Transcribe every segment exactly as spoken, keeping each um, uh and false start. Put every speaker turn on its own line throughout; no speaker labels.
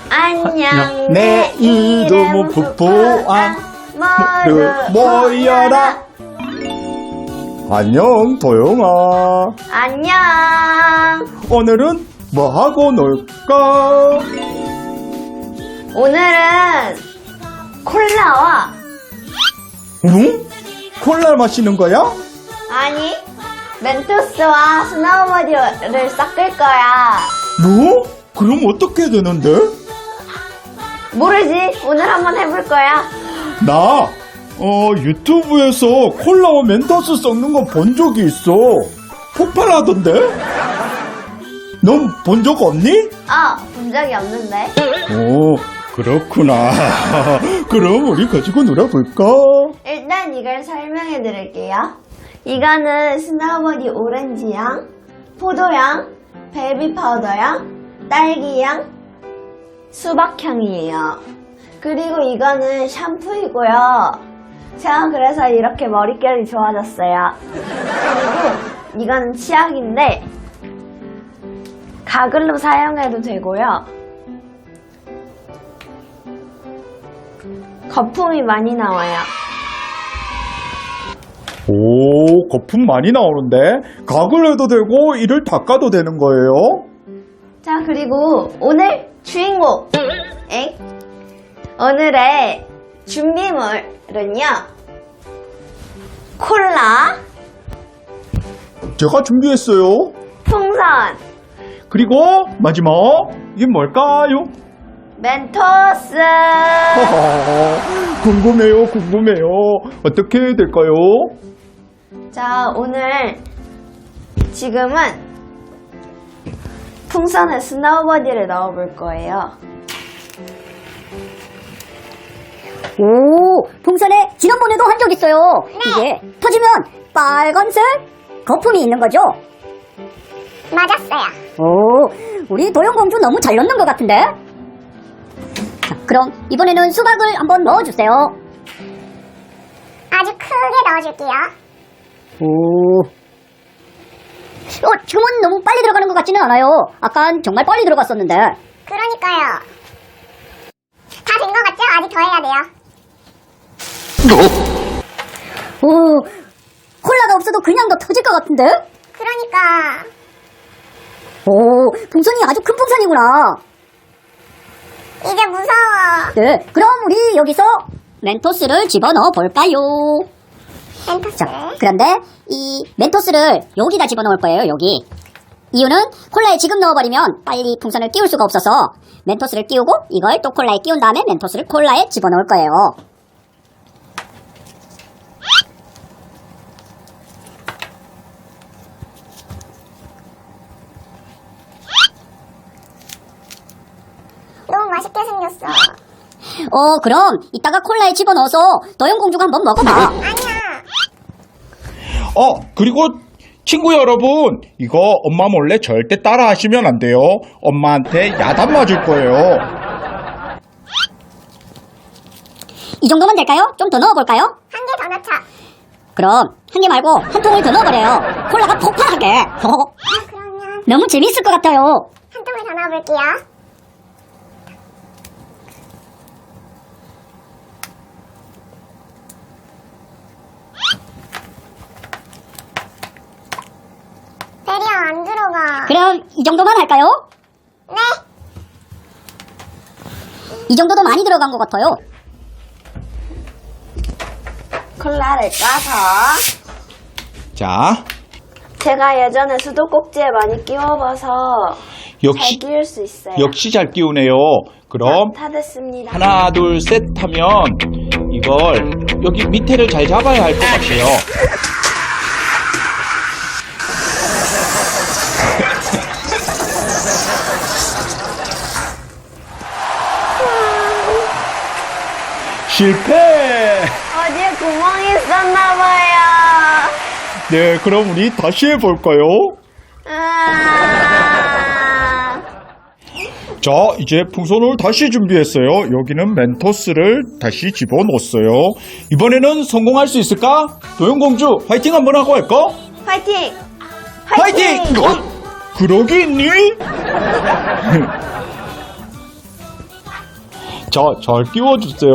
안녕,
내 이름은 푸푸왕. 모두 모여라. 안녕, 도영아.
안녕.
오늘은 뭐 하고 놀까?
오늘은 콜라와
응? 콜라 마시는 거야?
아니 멘토스와 스노우보드를 섞을 거야.
뭐? 그럼 어떻게 되는데?
모르지. 오늘 한번 해볼 거야.
나 어, 유튜브에서 콜라와 멘토스 섞는 거 본 적이 있어. 폭발하던데? 넌 본 적 없니?
어, 본 적이 없는데.
오, 그렇구나. 그럼 우리 가지고 놀아볼까?
일단 이걸 설명해 드릴게요. 이거는 스노우보드 오렌지향, 포도향, 베이비 파우더향, 딸기향, 수박향이에요. 그리고 이거는 샴푸이고요. 제가 그래서 이렇게 머릿결이 좋아졌어요. 그리고 이거는 치약인데 가글로 사용해도 되고요. 거품이 많이 나와요.
오, 거품 많이 나오는데? 가글 해도 되고 이를 닦아도 되는 거예요?
자, 그리고 오늘 주인공! 엥? 오늘의 준비물은요, 콜라,
제가 준비했어요.
풍선,
그리고 마지막, 이게 뭘까요?
멘토스.
궁금해요, 궁금해요. 어떻게 될까요?
자, 오늘 지금은 풍선에 스노우보드를 넣어볼 거예요.
오, 풍선에 지난번에도 한 적 있어요. 이게 터지면 빨간색 거품이 있는 거죠?
맞았어요.
오, 우리 도영공주 너무 잘 넣는 것 같은데? 자, 그럼 이번에는 수박을 한번 넣어주세요.
아주 크게 넣어줄게요.
오, 어, 지금은 너무 빨리 들어가는 것 같지는 않아요. 아깐 정말 빨리 들어갔었는데.
그러니까요. 다 된 것 같죠? 아직 더 해야 돼요.
오, 콜라가 없어도 그냥 더 터질 것 같은데?
그러니까
오, 풍선이 아주 큰 풍선이구나.
이제 무서워.
네, 그럼 우리 여기서 멘토스를 집어넣어 볼까요?
멘토스.
자, 그런데 이 멘토스를 여기다 집어넣을 거예요, 여기. 이유는 콜라에 지금 넣어버리면 빨리 풍선을 끼울 수가 없어서 멘토스를 끼우고 이걸 또 콜라에 끼운 다음에 멘토스를 콜라에 집어넣을 거예요.
너무 맛있게 생겼어.
어, 그럼 이따가 콜라에 집어넣어서 도영공주가 한번 먹어봐.
아니야.
어, 그리고 친구 여러분, 이거 엄마 몰래 절대 따라 하시면 안 돼요. 엄마한테 야단 맞을 거예요.
이 정도면 될까요? 좀 더 넣어볼까요?
한 개 더 넣자.
그럼 한 개 말고 한 통을 더 넣어버려요. 콜라가 폭발하게.
아, 그러면
너무 재밌을 것 같아요.
한 통을 더 넣어볼게요. 대리야, 안 들어가.
그럼 이 정도만 할까요?
네.
이 정도도 많이 들어간 것 같아요.
콜라를 까서
자,
제가 예전에 수도꼭지에 많이 끼워봐서
역시,
잘 끼울 수 있어요.
역시 잘 끼우네요. 그럼
다 됐습니다.
하나, 둘, 셋 하면 이걸 여기 밑에를 잘 잡아야 할 것 같아요. 실패!
어디에 구멍이 있었나봐요.
네, 그럼 우리 다시 해볼까요?
아...
자, 이제 풍선을 다시 준비했어요. 여기는 멘토스를 다시 집어넣었어요. 이번에는 성공할 수 있을까? 도영공주, 화이팅 한번 하고 할까?
화이팅!
화이팅! 어? 그러기 있니? 자, 잘 끼워주세요.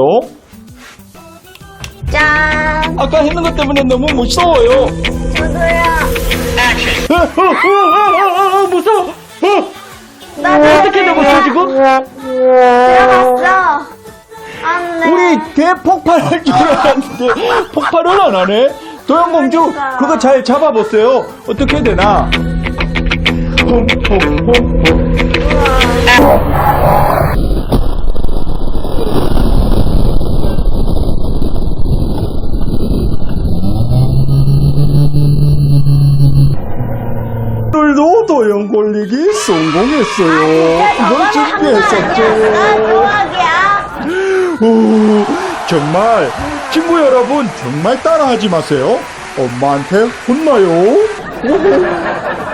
짠.
아까 했는 것 때문에 너무 무서워요.
저도요.
어, 어, 어, 어, 어, 어, 무서워. 어,
나도
어떻게 되었어 지금?
들어갔어. 안 돼.
우리 대폭발할 줄 알았는데 폭발을 안 하네. 도영공주,
그러니까.
그거 잘 잡아보세요. 어떻게 해야 되나? 홈, 홈, 홈, 홈. 오늘도 도영 걸리기 성공했어요. 이걸 준비했었죠.
조각이야.
오, 정말 친구 여러분 정말 따라하지 마세요. 엄마한테 혼나요.